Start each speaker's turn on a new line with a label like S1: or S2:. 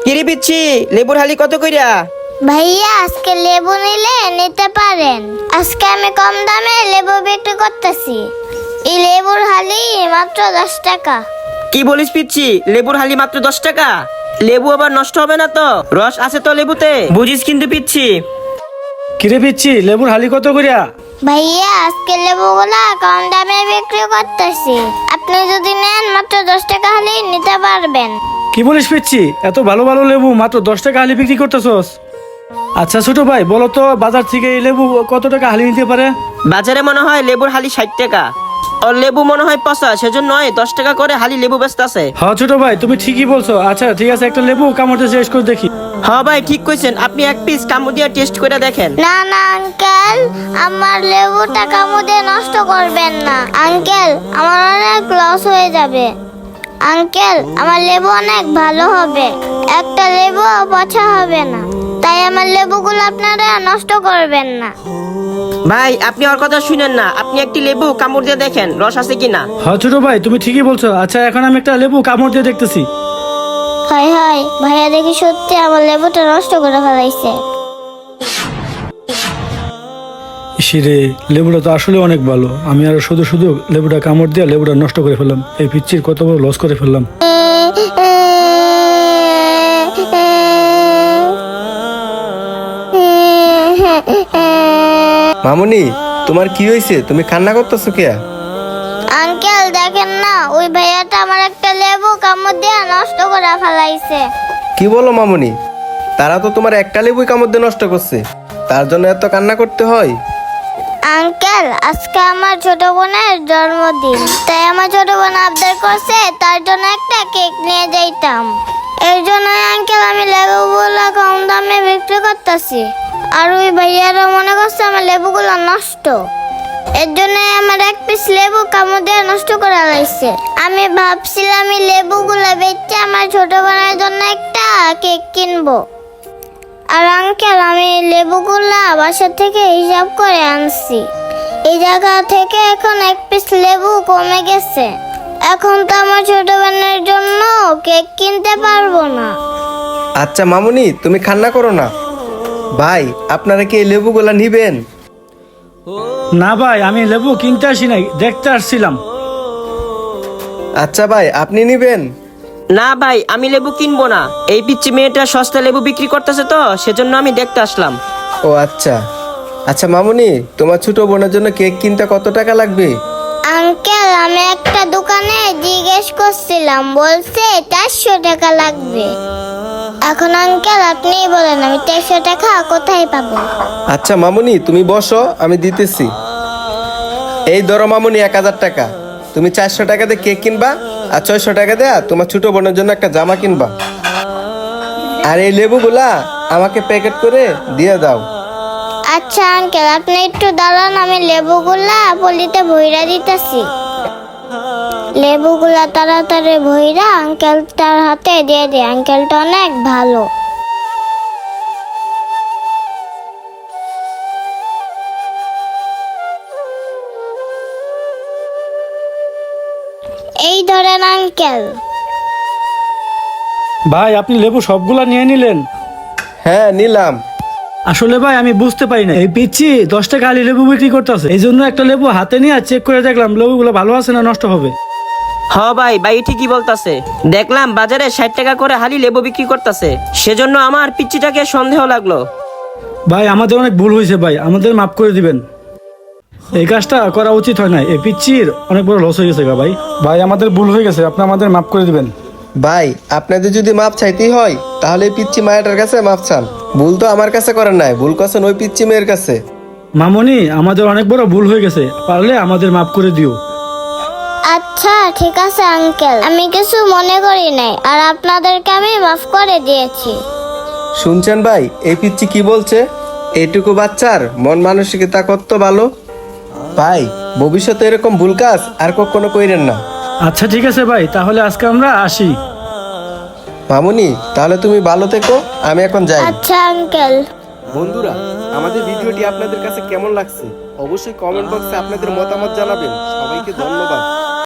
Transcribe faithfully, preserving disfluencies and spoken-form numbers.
S1: কিরে পিচ্ছি, লেবুর হালি কত কইরা?
S2: ভাইয়া আজকে লেবু নিলে নিতে পারেন। আজকে আমি কম দামে লেবু বিক্রি করতেছি। এই লেবুর হালি মাত্র দশ টাকা।
S1: কি বলিস পিচ্ছি, লেবুর হালি মাত্র দশ টাকা? লেবু আবার নষ্ট হবে না তো? রস আছে তো লেবুতে, বুঝিস কিন্তু পিচ্ছি।
S3: কিরে পিচ্ছি, লেবুর হালি কত করিয়া?
S2: ভাইয়া আজকে লেবুগুলা কম দামে বিক্রি করতেছি। আপনি যদি নেন মাত্র দশ টাকা হালি নিতে পারবেন।
S3: কি বলিস পিচ্ছি, এত ভালো ভালো লেবু মাত্র দশ টাকা হালি বিক্রি করতেছস? আচ্ছা ছোট ভাই, বলো তো বাজার থেকে এই লেবু কত টাকা হালি নিতে পারে?
S1: বাজারে মনে হয় লেবুর হালি ষাট টাকা, আর লেবু মনে হয় পচা, সেজন্য নয় দশ টাকা করে হালি লেবু বেচতাছে।
S3: হ্যাঁ ছোট ভাই, তুমি ঠিকই বলছো। আচ্ছা ঠিক আছে, একটা লেবু কামড়তে শেষ করে দেখি।
S1: হ্যাঁ ভাই ঠিক কইছেন, আপনি এক পিস কামড় দিয়ে টেস্ট করে দেখেন।
S2: না না আঙ্কেল, আমার লেবুটা কামু দিয়ে নষ্ট করবেন না। আঙ্কেল আমার অনেক লস হয়ে যাবে। আঙ্কেল আমার লেবু অনেক ভালো হবে, একটা লেবু পচা হবে না। তাই আমার লেবুগুলো আপনারা নষ্ট করবেন না।
S1: ভাই আপনি ওর কথা শুনেন না, আপনি একটি লেবু কামড় দিয়ে দেখেন রস আছে কিনা।
S3: হ্যাঁ ছোট ভাই, তুমি ঠিকই বলছো। আচ্ছা এখন আমি একটা লেবু কামড় দিয়ে দেখতেছি।
S2: হাই হাই ভাইয়া, দেখি সত্যি আমার লেবুটা নষ্ট করে ফেলাইছে।
S3: ইসিরে, লেবুটা তো আসলে অনেক ভালো। আমি আর শুধু শুধু লেবুটা কামড় দিয়ে লেবুটা নষ্ট করে ফেললাম। এই পিচ্ছির কত বড় লস করে ফেললাম।
S4: মামুনি, তোমার কি হয়েছে? তুমি কান্না করতেছো কে?
S2: আঙ্কেল দেখেন না, ওই ভাইয়াটা আমার একটা লেবু কামড় দিয়ে নষ্ট করে ফেলাইছে।
S4: কি বলো মামুনি? তারা তো তোমার একটা লেবুই কামড় দিয়ে নষ্ট করছে, তার জন্য এত কান্না করতে হয়?
S2: আঙ্কেল আজকে আমার ছোট বোনের জন্মদিন, তাই আমার ছোট বোন আবদার করছে, তার জন্য একটা কেক নিয়ে যাইতাম। এর জন্য আঙ্কেল আমি লেবুগুলো কম দামে বিক্রি করতেছি। আর ওই ভাইয়ারা মনে করছে আমার লেবুগুলো নষ্ট, এর জন্য আমার এক পিস লেবু কামড় দিয়ে নষ্ট করে লাইছে। আমি ভাবছিলাম এই লেবুগুলো বেচে আমার ছোট বোনের জন্য একটা কেক কিনবো। আর আঙ্কেল আমি লেবুগুলা বাসা থেকে হিসাব করে আনছি। এই জায়গা থেকে এখন এক পিস লেবু কমে গেছে। এখন তো আমার ছোট বোনের জন্য কেক কিনতে পারবো না।
S4: আচ্ছা মামুনি, তুমি কান্না করো না। ভাই আপনারা কি এই লেবুগুলা নিবেন?
S3: না ভাই, আমি লেবু কিনতে আসি নাই, দেখতে আসছিলাম।
S4: আচ্ছা ভাই, আপনি নিবেন?
S1: না ভাই আমি লেবু কিনবো না, এই পিচ্ছি মেয়েটা সস্তা লেবু বিক্রি করতেছে তো সেজন্য আমি দেখতে আসলাম।
S4: ও আচ্ছা। আচ্ছা মামুনি, তোমার ছোট বোনের জন্য কেক কিনতে কত টাকা লাগবে?
S2: আঙ্কেল আমি একটা দোকানে জিজ্ঞেস করছিলাম, বলছে চারশো টাকা লাগবে। এখন আঙ্কেল আপনি বলেন আমি চারশো টাকা কোথায় পাবো?
S4: আচ্ছা মামুনি, তুমি বসো, আমি দিতেছি। এই ধরো মামুনি এক হাজার টাকা। তুমি চারশো টাকা দিয়ে কেক কিনবা, আর ছয়শো টাকা দেয়া তোমার ছোট বোনের জন্য একটা জামা কিনবা। আর এই লেবুগুলা আমাকে প্যাকেট করে দিয়ে দাও।
S2: আচ্ছা আঙ্কেল আপনি একটু দাঁড়ান, আমি লেবুগুলা পলিতে ভইরা দিতেছি। লেবুগুলা তাড়াতাড়ি ভইরা আঙ্কেল তার হাতে দিয়ে দিই। আঙ্কেলটা অনেক ভালো। এই ধরেন আঙ্কেল।
S3: ভাই আপনি লেবু সবগুলা নিয়ে নিলেন?
S4: হ্যাঁ নিলাম।
S3: আসলে ভাই আমি বুঝতে পারি না, এই পিচ্ছি দশ টাকা হালি লেবু বিক্রি করতেছে। এই জন্য একটা লেবু হাতে নিয়ে চেক করে দেখলাম লেবুগুলো ভালো আছে না নষ্ট হবে।
S1: হ ভাই, ভাই ঠিকই বলতাছে। দেখলাম বাজারে ষাট টাকা করে হালি লেবু বিক্রি করতেছে, সেজন্য আমার পিচ্চিটাকে সন্দেহ লাগলো।
S3: ভাই আমাদের অনেক ভুল হয়েছে ভাই, আমাদের মাফ করে দিবেন। এই কাজটা করা উচিত হয় না, এই পিচ্চির অনেক বড় লস হয়ে গেছে গা ভাই। ভাই আমাদের ভুল হয়ে গেছে, আপনি আমাদের মাফ করে দিবেন।
S4: ভাই আপনাদের যদি মাপ চাইতেই হয় তাহলে এই পিচ্চি মায়াটার কাছে মাপ চান। ভুল তো আমার কাছে করেন নাই, ভুল করছেন ওই পিচ্চি মেয়ের কাছে।
S3: মামনি আমাদের অনেক বড় ভুল হয়ে গেছে, পারলে আমাদের মাফ করে দিও।
S2: আচ্ছা ঠিক আছে আঙ্কেল, আমি কিছু মনে করি নাই, আর আপনাদেরকে আমি মাফ করে দিয়েছি।
S4: শুনছেন ভাই, এই পিচ্চি কি বলছে? এইটুকু বাচ্চার মন মানসিকতা কত ভালো। ভাই ভবিষ্যতে এরকম ভুল কাজ আর কখনো কইরেন না।
S3: আচ্ছা ঠিক আছে ভাই, তাহলে আজকে আমরা আসি।
S4: মামুনি তাহলে তুমি ভালো থেকো, আমি এখন যাই।
S2: আচ্ছা আঙ্কেল।
S4: বন্ধুরা, আমাদের ভিডিওটি আপনাদের কাছে কেমন লাগছে অবশ্যই কমেন্ট বক্সে আপনাদের মতামত জানাবেন। সবাইকে ধন্যবাদ।